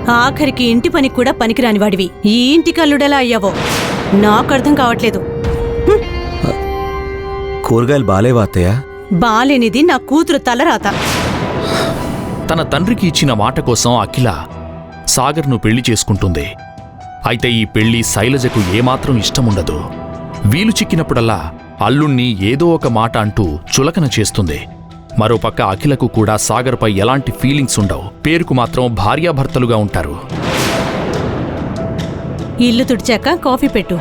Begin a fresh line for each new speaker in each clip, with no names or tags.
ఆఖరికి ఇంటి పని కూడా పనికిరాని వాడివి ఈ ఇంటికి అల్లుడెలా అయ్యావో నాకు అర్థం కావట్లేదు.
కూరగాయలు బాలేవా అత్తయ్య?
బాలేనిది నా కూతురు తలరాత.
తన తండ్రికి ఇచ్చిన మాట కోసం అఖిల సాగర్ను పెళ్లి చేసుకుంటుంది. అయితే ఈ పెళ్లి శైలజకు ఏమాత్రం ఇష్టముండదు. వీలు చిక్కినప్పుడల్లా అల్లుణ్ణి ఏదో ఒక మాట అంటూ చులకన చేస్తుంది. మరోపక్క అఖిలకు కూడా సాగర్పై ఎలాంటి ఫీలింగ్స్ ఉండవు. పేరుకు మాత్రం భార్యాభర్తలుగా ఉంటారు.
ఇల్లు తుడిచాక కాఫీ పెట్టు.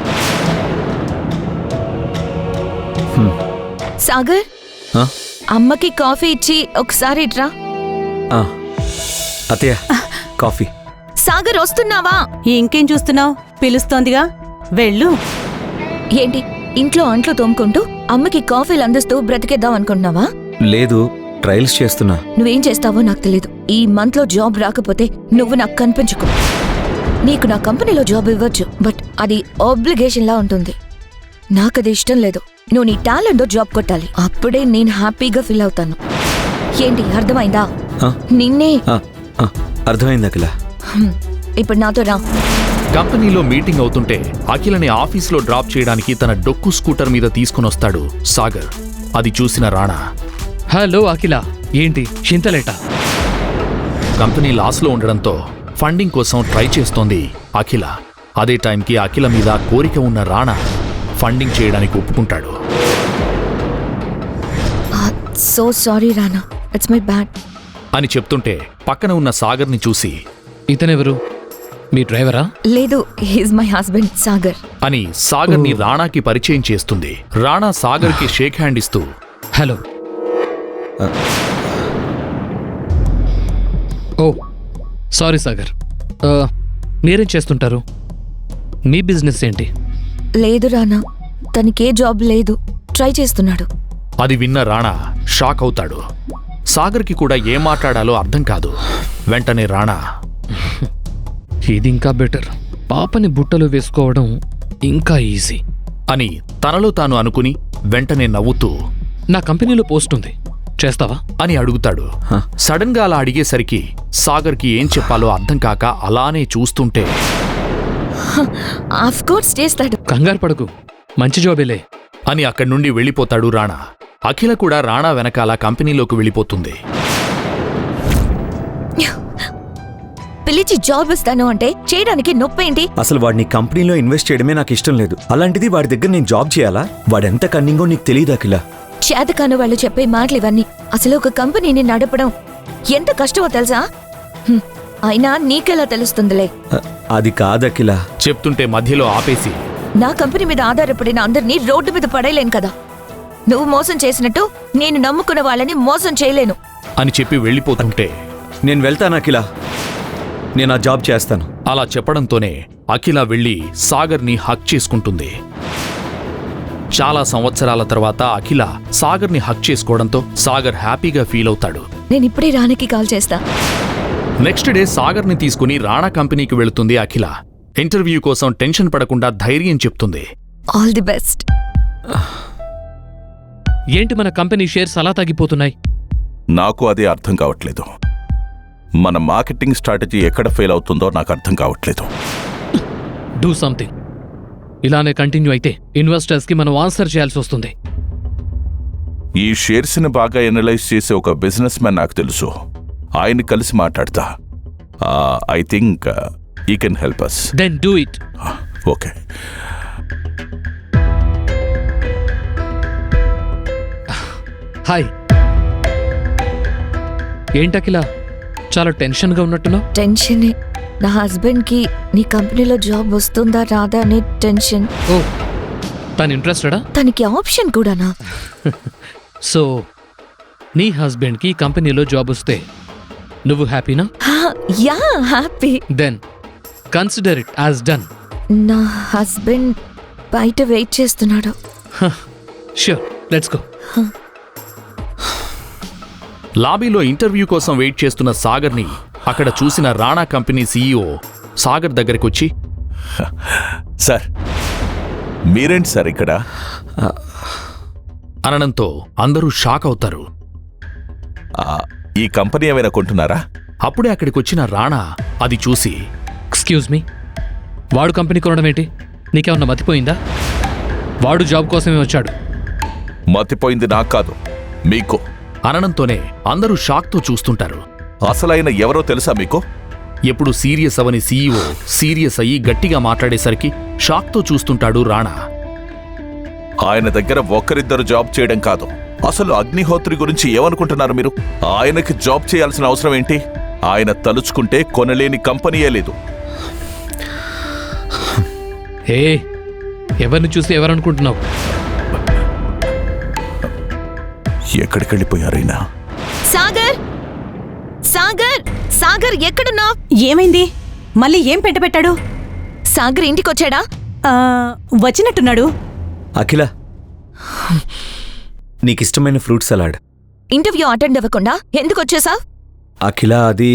సాగర్, అమ్మకి కాఫీ ఇచ్చి ఒకసారి ఇట్రా.
అత్తయ్య కాఫీ.
సాగర్ వస్తున్నావా?
ఇంకేం చూస్తున్నావు? పిలుస్తోందిగా, వెళ్ళు.
ఏంటి ఇంట్లో అంట్లు తోముకుంటూ అమ్మకి కాఫీలు అందిస్తూ బ్రతికేద్దాం అనుకుంటున్నావా?
లేదు, ట్రయల్స్ చేస్తున్నా.
నువ్వేం చేస్తావో నాకు తెలీదు. ఈ మంత్ లో జాబ్ రాకపోతే నువ్వు నాకు కనిపించుకో. నీకు నా కంపెనీలో జాబ్ ఇవ్వచ్చు, బట్ అది ఆబ్లిగేషన్ లా ఉంటుంది. నాకది ఇష్టం లేదు. నువ్వు నీ టాలెంట్ జాబ్ కొట్టాలి. అప్పుడే నేను హ్యాపీగా ఫీల్ అవుతాను. ఏంటి అర్థమైందా? నిన్నే.
అర్థమైంది అఖిల.
ఇప్పుడు నాతో రా.
కంపెనీలో మీటింగ్ అవుతుంటే అఖిలని ఆఫీస్లో డ్రాప్ చేయడానికి తన డొక్కు స్కూటర్ మీద తీసుకునొస్తాడు సాగర్. అది చూసిన రాణా,
హలో అఖిల, ఏంటి చింతలేట?
కంపెనీ లాస్లో ఉండడంతో ఫండింగ్ కోసం ట్రై చేస్తోంది అఖిల. అదే టైంకి అఖిల మీద కోరిక ఉన్న రాణా ఫండింగ్ చేయడానికి ఒప్పుకుంటాడు.
So sorry Rana, it's my bad
అని చెప్తుంటే పక్కన ఉన్న సాగర్ని చూసి,
ఇతనెవరు? మీ డ్రైవరా?
లేదు, హీజ్ మై హస్బెండ్ సాగర్
అని సాగర్ని రాణాకి పరిచయం చేస్తుంది. రాణా సాగర్కి షేక్ హ్యాండ్ ఇస్తూ,
హలో. ఓ సారీ సాగర్, మీరేం చేస్తుంటారు? మీ బిజినెస్ ఏంటి?
లేదు రానా, తనకే జాబ్ లేదు, ట్రై చేస్తున్నాడు.
అది విన్న రాణా షాక్ అవుతాడు. సాగర్కి కూడా ఏం మాట్లాడాలో అర్థం కాదు. వెంటనే రాణా,
ఇది ఇంకా బెటర్. పాపని బుట్టలో వేసుకోవడం ఇంకా ఈజీ
అని తనలో తాను అనుకుని వెంటనే నవ్వుతూ,
నా కంపెనీలో పోస్ట్ ఉంది, చేస్తావా
అని అడుగుతాడు. సడన్ గా అలా అడిగేసరికి సాగర్కి ఏం చెప్పాలో అర్థం కాక అలానే చూస్తుంటే,
ఆఫ్ కోర్స్ చేస్తాడు.
కంగారు పడకు, మంచి జాబేలే
అని అక్కడి నుండి వెళ్ళిపోతాడు రాణా. అఖిల కూడా రాణా వెనకాల కంపెనీలోకి వెళ్ళిపోతుంది.
పిలిచి జాబ్ ఇస్తాను అంటే చేయడానికి నొప్పేంటి?
అసలు వాడిని కంపెనీలో ఇన్వెస్ట్ చేయడమే నాకు ఇష్టం లేదు. అలాంటిది వాడి దగ్గర నేను జాబ్ చేయాలా? వాడెంత కన్నింగో నీకు తెలియదు అఖిల.
చేతకాను వాళ్ళు చెప్పే మాటలు ఇవన్నీ. అసలు ఒక కంపెనీని నడపడం ఎంత కష్టమో తెలుసా? అయినా నీకెలా తెలుస్తుందిలే.
అది కాదఖిల.
చెప్తుంటే మధ్యలో ఆపేసి,
నా కంపెనీ మీద ఆధారపడిన అందరినీ రోడ్డు మీద పడేయలేను కదా. నువ్వు మోసం చేసినట్టు నేను నమ్ముకున్న వాళ్ళని మోసం చేయలేను
అని చెప్పి వెళ్ళిపోతుంటే,
నేను వెళ్తాను అఖిల, నేను ఆ జాబ్ చేస్తాను.
అలా చెప్పడంతోనే అఖిల వెళ్ళి సాగర్ని హక్ చేసుకుంటుంది. చాలా సంవత్సరాల తర్వాత అఖిల సాగర్ని హక్ చేసుకోవడంతో సాగర్ హ్యాపీగా ఫీల్ అవుతాడు.
నేను ఇప్పుడే రాణికి కాల్ చేస్తా.
నెక్స్ట్ డే సాగర్ని తీసుకుని రాణా కంపెనీకి వెళుతుంది అఖిల. ఇంటర్వ్యూ కోసం టెన్షన్ పడకుండా ధైర్యం చెప్తుంది.
All the best.
ఏంటి మన కంపెనీ షేర్స్ అలా తగ్గిపోతున్నాయి?
నాకు అదే అర్థం కావట్లేదు. మన మార్కెటింగ్ స్ట్రాటజీ ఎక్కడ ఫెయిల్ అవుతుందో నాకు అర్థం కావట్లేదు.
Do something. ఇలానే కంటిన్యూ అయితే ఇన్వెస్టర్స్కి మనం ఆన్సర్ చేయాల్సి వస్తుంది.
ఈ షేర్స్ని బాగా ఎనలైజ్ చేసే ఒక బిజినెస్ మ్యాన్ నాకు తెలుసు. ఆయన కలిసి మాట్లాడతా. I think he can help us.
Then do it.
Okay.
Hi. ఏంటకిలా చాలా టెన్షన్గా ఉన్నట్టున్నావు?
టెన్షనే. నా హస్బెండ్కి నీ కంపెనీలో జాబ్ వస్తుందా రాదా అనే టెన్షన్.
ఓ, తను ఇంట్రెస్టెడా?
తనకి ఆప్షన్ కూడానా?
సో నీ హస్బెండ్కి కంపెనీలో జాబ్ వస్తే నువ్వు హ్యాపీనా?
Yeah, happy.
Then consider it as done.
నా హస్బెండ్ బయట వెయిట్ చేస్తున్నాడు.
Sure, let's go.
లాబీలో ఇంటర్వ్యూ కోసం వెయిట్ చేస్తున్న సాగర్ని అక్కడ చూసిన రాణా కంపెనీ సీఈఓ సాగర్ దగ్గరకొచ్చి,
సార్ మీరేంటి సార్ ఇక్కడ
అనడంతో అందరూ షాక్ అవుతారు.
ఈ కంపెనీ ఏమైనా కొంటున్నారా?
అప్పుడే అక్కడికొచ్చిన రాణా అది చూసి,
ఎక్స్క్యూజ్ మీ, వాడు కంపెనీ కొనడం ఏంటి? నీకేమన్నా మతిపోయిందా? వాడు జాబ్ కోసమే వచ్చాడు.
మతిపోయింది నాకు కాదు, మీకు.
అననంతోనే అందరూ షాక్తో చూస్తుంటారు.
అసలైన ఎవరో తెలుసా మీకు?
ఎప్పుడు సీరియస్ అవని సీఈఓ సీరియస్ అయ్యి గట్టిగా మాట్లాడేసరికి షాక్తో చూస్తుంటాడు రాణా.
ఆయన దగ్గర ఒక్కరిద్దరు జాబ్ చేయడం కాదు, అసలు అగ్నిహోత్రి గురించి ఏమనుకుంటున్నారు మీరు? ఆయనకి జాబ్ చేయాల్సిన అవసరం ఏంటి? ఆయన తలుచుకుంటే కొనలేని కంపెనీయే లేదు.
ఏ, ఎవరిని చూసి ఎవరనుకుంటున్నావు?
ఎక్కడికెళ్ళిపోయారైనా?
సాగర్, సాగర్, సాగర్ ఎక్కడున్నావ్?
ఏమైంది? మళ్ళీ ఏం పెట్టాడు?
సాగర్ ఇంటికొచ్చాడా?
వచ్చినట్టున్నాడు.
అఖిల, నీకిష్టమైన ఫ్రూట్ సలాడ్.
ఇంటర్వ్యూ అటెండ్ అవ్వకుండా ఎందుకు వచ్చేసావ్?
అఖిల, అది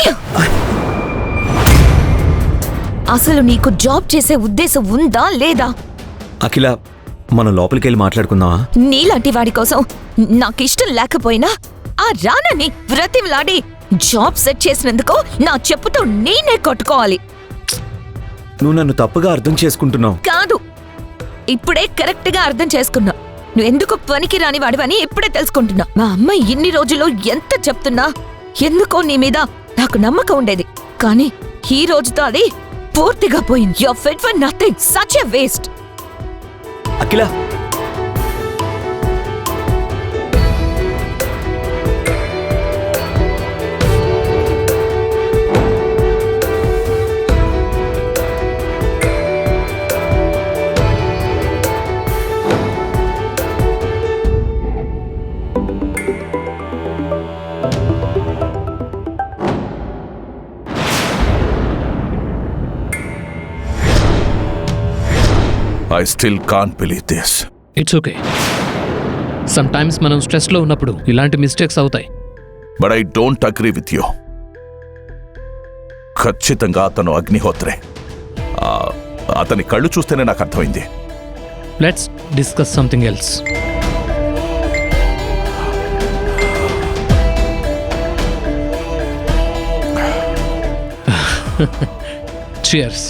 అసలు నీకు జాబ్ చేసే ఉద్దేశం ఉందా లేదా?
అఖిల, మనం లోపలికెళ్ళి మాట్లాడుకుందామా?
నీలాంటి వాడి కోసం నాకిష్టం లేకపోయినా ఆ రానని వ్రతిలాడి జాబ్ సెట్ చేసినందుకు నా చెప్పుతో నేనే కొట్టుకోవాలి.
నువ్వు నన్ను తప్పుగా అర్థం చేసుకుంటున్నావు.
కాదు, ఇప్పుడే కరెక్ట్ గా అర్థం చేసుకున్నా. నువ్వెందుకు పనికి రాని వాడివని ఇప్పుడే తెలుసుకుంటున్నా. మా అమ్మ ఇన్ని రోజులు ఎంత చెప్తున్నా ఎందుకో నీ మీద నాకు నమ్మకం ఉండేది. కానీ ఈ రోజుతో అది పూర్తిగా పోయింది. Your fit for nothing, such a waste.
Akhila,
I still can't believe this.
It's okay. Sometimes మనం స్ట్రెస్లో ఉన్నప్పుడు ఇలాంటి మిస్టేక్స్ అవుతాయి.
But I don't agree with you. ఖచ్చితంగా అతను అగ్నిహోత్రే. అతని కళ్ళు చూస్తేనే నాకు అర్థమైంది.
Let's discuss something else. Cheers.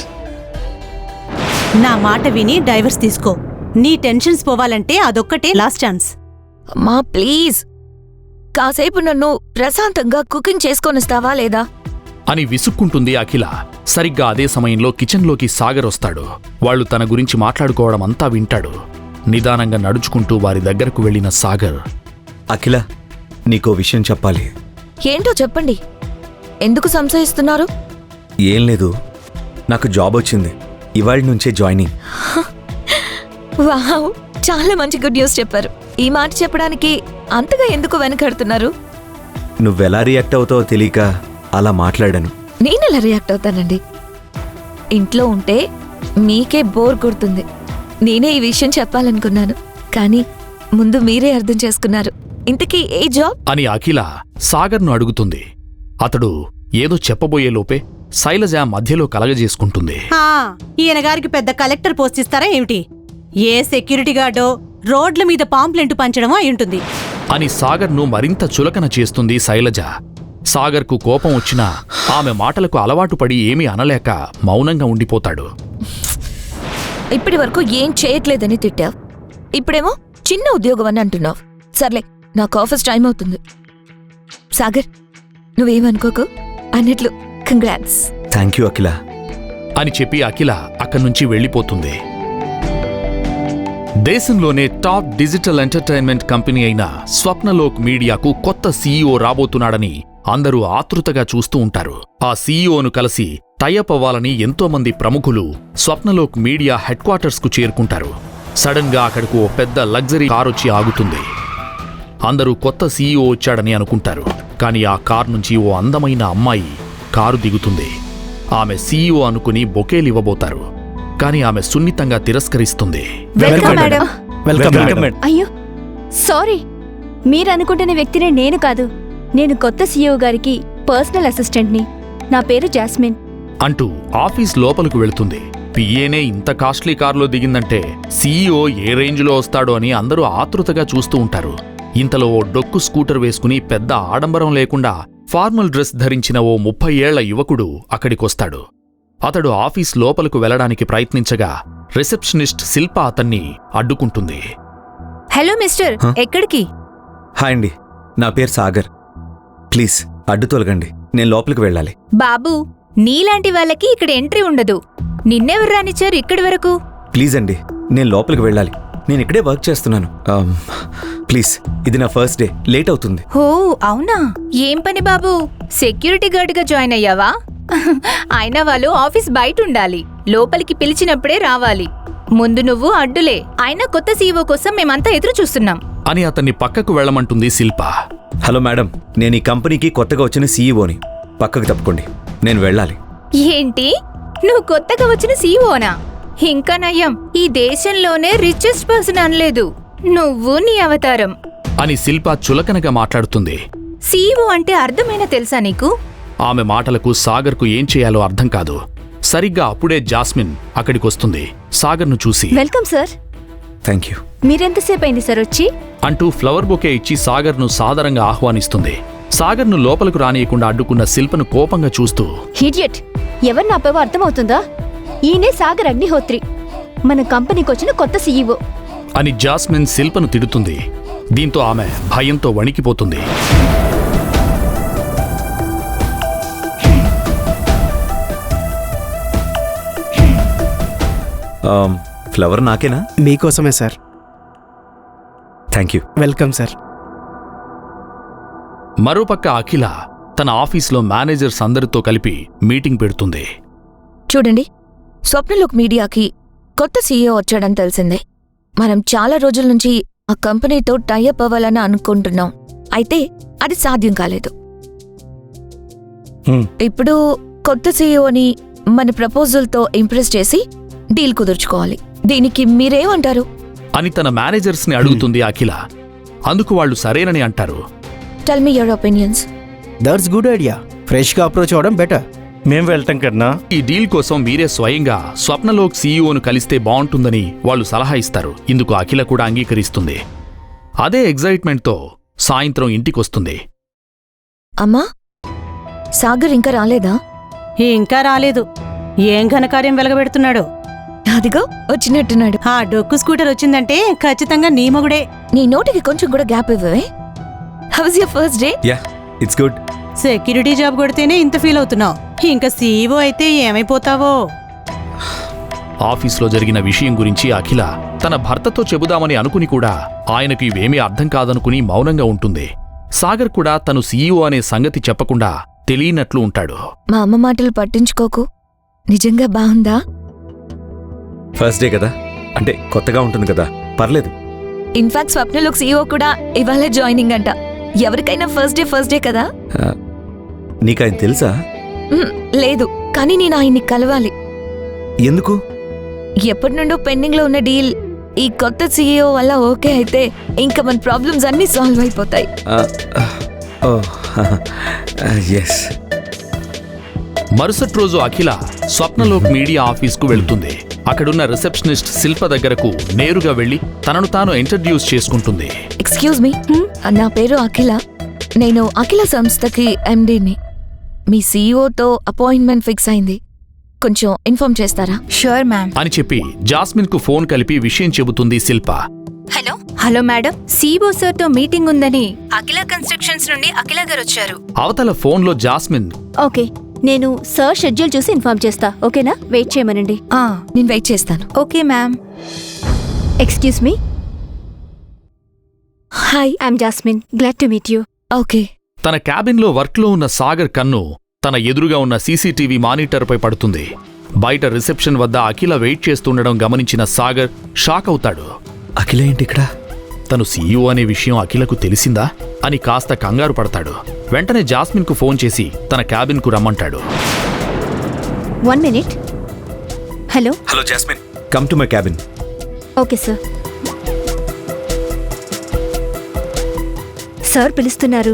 నా మాట విని డైవర్స్ తీసుకో. నీ టెన్షన్స్ పోవాలంటే అదొక్కటే లాస్ట్ ఛాన్స్.
అమ్మా ప్లీజ్, కాసేపు నన్ను ప్రశాంతంగా కుకింగ్ చేసుకొనిస్తావా లేదా?
అని విసుక్కుంటుంది అఖిల. సరిగ్గా అదే సమయంలో కిచెన్లోకి సాగర్ వస్తాడు. వాళ్ళు తన గురించి మాట్లాడుకోవడం అంతా వింటాడు. నిదానంగా నడుచుకుంటూ వారి దగ్గరకు వెళ్లిన సాగర్,
అఖిల, నీకో విషయం చెప్పాలి.
ఏంటో చెప్పండి. ఎందుకు సంశయిస్తున్నారు?
ఏం లేదు, నాకు జాబ్ వచ్చింది. ఇవాళ నుంచే జాయినింగ్.
వావ్, చాలా మంచి గుడ్ న్యూస్ చెప్పారు. ఈ మాట చెప్పడానికి అంతగా ఎందుకు వెనకడుతున్నారు?
నువ్వెలా రియాక్ట్ అవుతావో తెలియక అలా మాట్లాడాను.
నేనెలా రియాక్ట్ అవుతానండి? ఇంట్లో ఉంటే మీకే బోర్ కొడుతుంది. నేనే ఈ విషయం చెప్పాలనుకున్నాను, కానీ ముందు మీరే అర్థం చేసుకున్నారు. ఇంతకీ ఏ జాబ్
అని అఖిల సాగర్ను అడుగుతుంది. అతడు ఏదో చెప్పబోయే లోపే శైలజ మధ్యలో కలగజేసుకుంటుంది.
ఈయన గారికి పెద్ద కలెక్టర్ పోస్ట్ ఇస్తారా ఏమిటి? ఏ సెక్యూరిటీ గార్డో రోడ్ల మీద పాంప్లెంట్ పంచడమో అయ్యుంటుంది
అని సాగర్ను మరింత చులకన చేస్తుంది శైలజ. సాగర్కు కోపం వచ్చినా ఆమె మాటలకు అలవాటు పడి ఏమీ అనలేక మౌనంగా ఉండిపోతాడు.
ఇప్పటి వరకు ఏం చేయట్లేదని తిట్టావు, ఇప్పుడేమో చిన్న ఉద్యోగం అని అంటున్నావు. సర్లే, నాకు ఆఫీస్ టైం అవుతుంది. సాగర్, నువ్వేమనుకోకు. అన్నట్లు కంగ్రాట్స్.
థ్యాంక్ యూ అఖిల
అని చెప్పి అఖిల అక్కడ్నుంచి వెళ్ళిపోతుంది. దేశంలోనే టాప్ డిజిటల్ ఎంటర్టైన్మెంట్ కంపెనీ అయిన స్వప్నలోక్ మీడియాకు కొత్త సీఈఓ రాబోతున్నాడని అందరూ ఆతృతగా చూస్తూ ఉంటారు. ఆ సీఈఓను కలిసి టైఅప్ అవ్వాలని ఎంతోమంది ప్రముఖులు స్వప్నలోక్ మీడియా హెడ్ క్వార్టర్స్కు చేరుకుంటారు. సడన్ గా అక్కడకు ఓ పెద్ద లగ్జరీ కారొచ్చి ఆగుతుంది. అందరూ కొత్త సీఈఓ వచ్చాడని అనుకుంటారు. కానీ ఆ కార్ నుంచి ఓ అందమైన అమ్మాయి కారు దిగుతుంది. ఆమె సీఈఓ అనుకుని బొకేలివ్వబోతారు. కానీ ఆమె సున్నితంగా తిరస్కరిస్తుంది.
అయ్యో సారీ, మీరనుకుంటున్న వ్యక్తినే నేను కాదు. నేను కొత్త సీఈఓ గారికి పర్సనల్ అసిస్టెంట్ని. నా పేరు జాస్మిన్
అంటూ ఆఫీస్ లోపలకు వెళుతుంది. పిఏనే ఇంత కాస్ట్లీ కారులో దిగిందంటే సీఈఓ ఏ రేంజ్లో వస్తాడో అని అందరూ ఆతృతగా చూస్తూ ఉంటారు. ఇంతలో ఓ డొక్కు స్కూటర్ వేసుకుని పెద్ద ఆడంబరం లేకుండా ఫార్మల్ డ్రెస్ ధరించిన ఓ 30 ఏళ్ల యువకుడు అక్కడికొస్తాడు. అతడు ఆఫీస్ లోపలకు వెళ్లడానికి ప్రయత్నించగా రిసెప్షనిస్ట్ శిల్ప అతన్ని అడ్డుకుంటుంది.
హలో మిస్టర్,
హ?
ఎక్కడికి?
హాయ్ అండి, నా పేరు సాగర్. ప్లీజ్ అడ్డు తొలగండి, నేను లోపలికి వెళ్ళాలి.
బాబు, నీలాంటి వాళ్ళకి ఇక్కడ ఎంట్రీ ఉండదు. నిన్నెవరు రానిచ్చారు ఇక్కడి వరకు?
ప్లీజ్ అండి, నేను లోపలికి వెళ్ళాలి. నేను ఇక్కడే వర్క్ చేస్తున్నాను. ప్లీజ్, ఇది నా ఫస్ట్ డే, లేట్ అవుతుంది.
ఓ అవునా? ఏం పని బాబు, సెక్యూరిటీ గార్డ్గా జాయిన్ అయ్యావా? అయినా వాళ్ళు ఆఫీస్ బయట ఉండాలి, లోపలికి పిలిచినప్పుడే రావాలి. ముందు నువ్వు అడ్డులే. అయినా కొత్త సీఈఓ కోసం మేమంతా ఎదురు చూస్తున్నాం
అని అతన్ని పక్కకు వెళ్లమంటుంది శిల్ప.
హలో మేడం, నేను ఈ కంపెనీకి కొత్తగా వచ్చిన సీఈఓని. పక్కకు తప్పుకోండి, నేను వెళ్ళాలి.
ఏంటి, నువ్వు కొత్తగా వచ్చిన సీఈఓనా? ఇంకా నయ్యం, ఈ దేశంలోనే రిచెస్ట్ పర్సన్ అనలేదు నువ్వు, నీ అవతారం.
అని శిల్ప చులకనగా మాట్లాడుతుంది.
సీఈఓ అంటే అర్థమైనా తెలుసా నీకు?
ఆమె మాటలకు సాగర్కు ఏం చేయాలో అర్థం కాదు. సరిగ్గా అప్పుడే జాస్మిన్ అక్కడికొస్తుంది. సాగర్ను చూసి
వెల్కమ్ సార్.
Thank you.
మీరెంతసేపు అయింది సార్ వచ్చి?
అంటూ ఫ్లవర్ బొకే ఇచ్చి సాగర్ను సాదరంగా ఆహ్వానిస్తుంది. సాగర్ను లోపలకు రానియకుండా అడ్డుకున్న శిల్పను కోపంగా చూస్తూ,
హిడియట్, ఎవరు నాపేవో అర్థమవుతుందా? ఈయనే సాగర్ అగ్నిహోత్రి, మన కంపెనీకి వచ్చిన కొత్త సీఈఓ
అని జాస్మిన్ శిల్పను తిడుతుంది. దీంతో ఆమె భయంతో వణికిపోతుంది.
ఫ్లవర్ నాకేనా?
మీకోసమే sir.
Thank you.
Welcome sir.
మరోపక్క అఖిల తన ఆఫీస్లో మేనేజర్స్ అందరితో కలిపి మీటింగ్ పెడుతుంది.
చూడండి, స్వప్నలోక్ మీడియాకి కొత్త సీఈఓ వచ్చాడని తెలిసిందే. మనం చాలా రోజుల నుంచి ఆ కంపెనీతో టైఅప్ అవ్వాలని అనుకుంటున్నాం. అయితే అది సాధ్యం కాలేదు. ఇప్పుడు కొత్త సీఈఓని మన ప్రపోజల్తో ఇంప్రెస్ చేసి డీల్ కుదుర్చుకోవాలి. దీనికి మీరేమంటారు?
అని తన మేనేజర్స్ని అడుగుతుంది అఖిల. అందుకు వాళ్ళు సరేనని అంటారు.
Tell me your opinions.
That's good idea. ఫ్రెష్గా అప్రోచ్ అవ్వడం బెటర్. మేము వెళ్తాం కన్నా.
ఈ డీల్ కోసం మీరే స్వయంగా స్వప్నలోక్ సీఈఓను కలిస్తే బావుంటుందని వాళ్ళు సలహా ఇస్తారు. ఇందుకు అఖిల కూడా అంగీకరిస్తుంది. అదే ఎగ్జైట్మెంట్తో సాయంత్రం ఇంటికొస్తుంది.
అమ్మా, సాగర్ ఇంకా రాలేదా?
ఇంకా రాలేదు. ఏం ఘనకార్యం వెలగబెడుతున్నాడో.
అదిగో వచ్చినట్టున్నాడు.
ఆ డొక్కు స్కూటర్ వచ్చిందంటే ఖచ్చితంగా నీ మొగుడే.
నీ నోటికి కొంచెం కూడా గ్యాప్ ఇవ్వవే. How was your first day?
Yeah, it's good.
Security job కొడితేనే ఇంత ఫీల్ అవుతున్నావు, ఇంకా సీఈఓ అయితే ఏమైపోతావో.
ఆఫీస్లో జరిగిన విషయం గురించి అఖిల తన భర్తతో చెబుదామని అనుకుని కూడా ఆయనకు ఇవేమీ అర్థం కాదనుకుని మౌనంగా ఉంటుంది. సాగర్ కూడా తను సీఈఓ అనే సంగతి చెప్పకుండా తెలియనట్లు ఉంటాడు.
మా అమ్మ మాటలు పట్టించుకోకు. నిజంగా బాగుందా?
ఫస్ట్ డే కదా, అంటే కొత్తగా ఉంటుంది కదా, పర్లేదు.
ఇన్ఫాక్ట్ స్వప్నలోక్ సీఈఓ కూడా ఇవాళ జాయినింగ్ అంట. ఎవరికైనా ఫస్ట్ డే కదా.
నీకు ఆయన తెలుసా?
లేదు, కానీ నేను ఆయన్ని కలవాలి.
ఎందుకు?
ఎప్పటి నుండో పెండింగ్ లో ఉన్న డీల్ ఈ కొత్త సీఈఓ వల్ల ఓకే అయితే ఇంకా మన ప్రాబ్లమ్స్ అన్నీ సాల్వ్ అయిపోతాయి.
ఎస్.
మరుసటి రోజు అఖిల స్వప్నలోక్ మీడియా ఆఫీస్కు వెళ్తుంది. అక్కడున్న రిసెప్షనిస్ట్ శిల్ప దగ్గరకు నేరుగా వెళ్లి తనను తాను ఇంట్రడ్యూస్ చేసుకుంటుంది.
ఎక్స్క్యూజ్ మీ, నా పేరు అఖిల. నేను అఖిల సంస్థకి ఎండీని. మీ సీఈఓతో అపాయింట్మెంట్ ఫిక్స్ అయింది, కొంచెం ఇన్ఫార్మ్ చేస్తారా? షూర్ మ్యామ్
అని చెప్పి జాస్మిన్ కు ఫోన్ కలిపి విషయం చెబుతుంది Shilpa.
Hello hello madam, CEO sir తో మీటింగ్ ఉందని అఖిల కన్స్ట్రక్షన్స్ నుండి అఖిల గారు వచ్చారు.
అవతల ఫోన్లో జాస్మిన్,
ఓకే, నేను సార్ షెడ్యూల్ చూసి ఇన్ఫార్మ్ చేస్తా. ఓకేనా? వెయిట్ చేయమనండి.
నేను వెయిట్ చేస్తాను.
Okay ma'am. Excuse me.
Hi,
I'm Jasmine. Glad to meet you.
Okay.
తన క్యాబిన్లో వర్క్లో ఉన్న సాగర్ కన్ను తన ఎదురుగా ఉన్న సీసీటీవీ మానిటర్పై పడుతుంది. బయట రిసెప్షన్ వద్ద అఖిల వెయిట్ చేస్తుండడం గమనించిన సాగర్ షాక్ అవుతాడు.
అఖిల ఏంటి ఇక్కడ?
తను సీఈఓ అనే విషయం అఖిలకు తెలిసిందా అని కాస్త కంగారు పడతాడు. వెంటనే జాస్మిన్కు ఫోన్ చేసి తన క్యాబిన్కు రమ్మంటాడు.
1 minute. Hello.
Hello Jasmine, come to my cabin.
Okay sir. Sir పిలుస్తున్నారు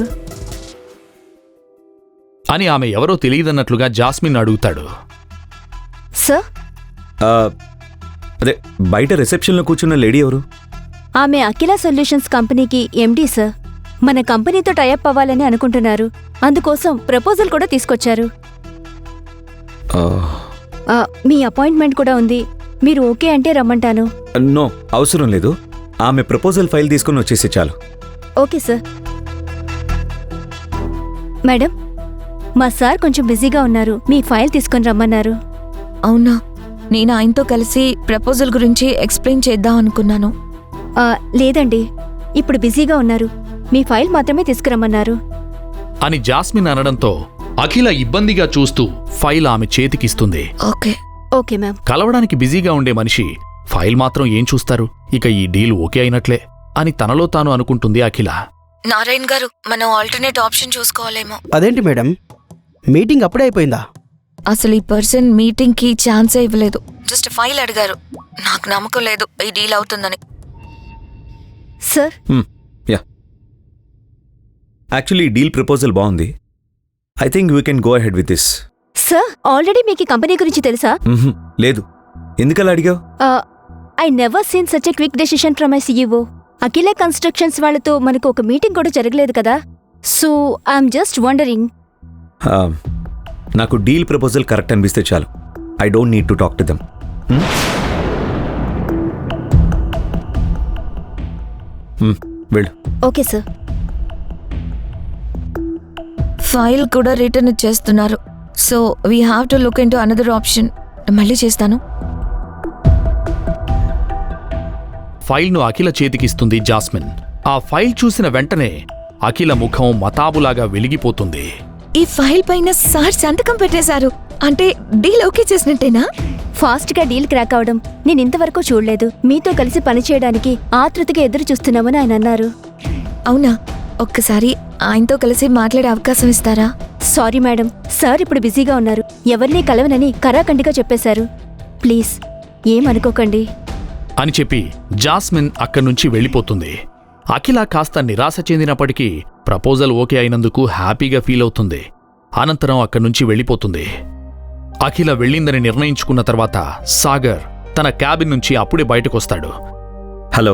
అని ఆమె ఎవరో తెలియదన్నట్లుగా జాస్మిన్ అడుగుతాడు.
సార్,
అదే బయట రిసెప్షన్లో కూర్చున్న లేడీ ఎవరు?
ఆమె అఖిల సొల్యూషన్స్ కంపెనీకి ఎండీ సార్. మన కంపెనీతో టైఅప్ అవ్వాలని అనుకుంటున్నారు. అందుకోసం ప్రపోజల్ కూడా తీసుకొచ్చారు. మీ అపాయింట్మెంట్ కూడా ఉంది. మీరు ఓకే అంటే రమ్మంటాను.
నో, అవసరం లేదు. ఆమె ప్రపోజల్ ఫైల్ తీసుకుని వచ్చేసి చాలు.
Okay sir. మేడం, మా సార్ కొంచెం బిజీగా ఉన్నారు. మీ ఫైల్ తీసుకొని రమ్మన్నారు.
అవునా, నేను ఆయనతో కలిసి ప్రపోజల్ గురించి ఎక్స్ప్లెయిన్ చేద్దాం అనుకున్నాను.
లేదండి, ఇప్పుడు బిజీగా ఉన్నారు. మీ ఫైల్ మాత్రమే తీసుకురమ్మన్నారు.
అని జాస్మిన్ అనడంతో అఖిల ఇబ్బందిగా చూస్తూ ఫైల్ ఆమె చేతికిస్తుంది.
Okay
okay ma'am.
కలవడానికి బిజీగా ఉండే మనిషి ఫైల్ మాత్రం ఏం చూస్తారు? ఇక ఈ డీల్ ఓకే అయినట్లే అని తనలో తాను అనుకుంటుంది అఖిల.
నారాయణ్ గారు, మనం ఆల్టర్నేట్ ఆప్షన్ చూసుకోవాలేమో.
అదేంటి మేడం, మీటింగ్ అప్పుడే అయిపోయిందా?
అసలు ఈ పర్సన్ మీటింగ్ కి ఛాన్సే ఇవ్వలేదు. జస్ట్ ఫైల్ అడిగారు. నాకు నమ్మకం లేదు ఈ డీల్ అవుతుందని.
Sir,
yeah, actually deal proposal బాగుంది. I think we can go ahead with this.
Sir, already మీకు ఈ కంపెనీ గురించి తెలుసా?
లేదు. ఎందుకలా అడిగావు?
I never seen such a quick decision from my CEO. Akhila constructions వాళ్ళతో మనకు ఒక మీటింగ్ కూడా జరగలేదు కదా. So I'm just wondering.
నాకు డీల్ ప్రపోజల్ కరెక్ట్ అనిపిస్తే చాలు. I don't need to talk to them. వెళ్ళు.
Okay sir.
ఫైల్ కూడా రిటర్న్ ఇచ్చేస్తున్నారు. So we have to look into another option. మళ్ళీ చేస్తాను.
ఫైల్ను అఖిల చేతికిస్తుంది జాస్మిన్. ఆ ఫైల్ చూసిన వెంటనే అఖిల ముఖం మతాబులాగా వెలిగిపోతుంది.
ఈ ఫైల్ పైన సార్ సంతకం పెట్టేశారు. అంటే డీల్ ఓకే చేసినట్టేనా?
ఫాస్ట్ గా డీల్ క్రాక్ అవడం నేను ఇంతవరకు చూడలేదు. మీతో కలిసి పనిచేయడానికి ఆతృతగా ఎదురు చూస్తున్నామని ఆయన అన్నారు.
అవునా? ఒక్కసారి ఆయనతో కలిసి మాట్లాడే అవకాశం ఇస్తారా?
సారీ మేడం, సార్ ఇప్పుడు బిజీగా ఉన్నారు. ఎవరినీ కలవనని కరాఖండిగా చెప్పేశారు. ప్లీజ్ ఏమనుకోకండి
అని చెప్పి జాస్మిన్ అక్కడ్నుంచి వెళ్ళిపోతుంది. అఖిల కాస్త నిరాశ చెందినప్పటికీ ప్రపోజల్ ఓకే అయినందుకు హ్యాపీగా ఫీల్ అవుతుంది. అనంతరం అక్కడ్నుంచి వెళ్ళిపోతుంది. అఖిల వెళ్ళిందని నిర్ణయించుకున్న తర్వాత సాగర్ తన క్యాబిన్ నుంచి అప్పుడే బయటకొస్తాడు.
హలో.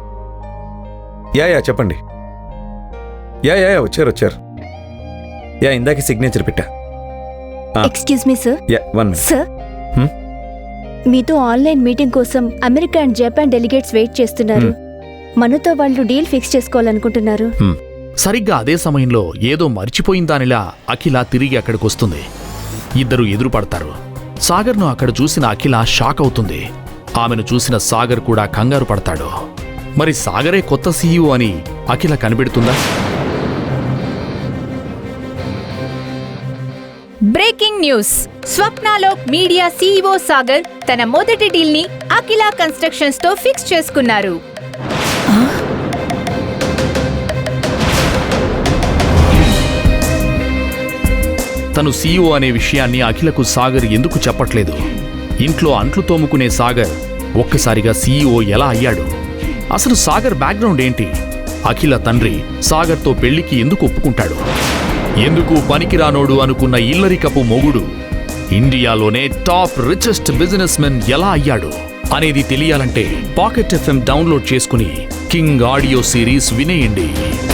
యా చెప్పండి. యా వచ్చారు. యా, ఇందాక సిగ్నేచర్ పెట్టా.
Excuse me sir.
Yeah, 1 minute.
Sir, మీతో ఆన్లైన్ మీటింగ్ కోసం America and Japan delegates wait చేస్తున్నారు. మనతో వాళ్ళు డీల్ ఫిక్స్ చేసుకోవాలనుకుంటున్నారు.
సరిగ్గా అదే సమయంలో ఏదో మర్చిపోయిందానిలా అఖిల తిరిగి అక్కడికొస్తుంది. ఇద్దరు ఎదురుపడతారు. సాగర్ను అక్కడ చూసిన అఖిల షాక్ అవుతుంది. ఆమెను చూసిన సాగర్ కూడా కంగారు పడతాడు. మరి సాగరే కొత్త CEO అని అఖిల కనిపెడుతుందా?
Breaking news. Swapnalok media CEO Sagar తన మొదటి డీల్ ని అఖిల కన్స్ట్రక్షన్స్ తో ఫిక్స్ చేసుకున్నారు.
తను CEO అనే విషయాన్ని అఖిలకు సాగర్ ఎందుకు చెప్పట్లేదు? ఇంట్లో అంట్లు తోముకునే సాగర్ ఒక్కసారిగా CEO ఎలా అయ్యాడు? అసలు సాగర్ బ్యాక్గ్రౌండ్ ఏంటి? అఖిల తండ్రి సాగర్తో పెళ్లికి ఎందుకు ఒప్పుకుంటాడు? ఎందుకు పనికిరానోడు అనుకున్న ఇల్లరికపు మొగుడు ఇండియాలోనే టాప్ రిచెస్ట్ బిజినెస్ మెన్ ఎలా అయ్యాడు అనేది తెలియాలంటే పాకెట్ FM డౌన్లోడ్ చేసుకుని కింగ్ ఆడియో సిరీస్ వినేయండి.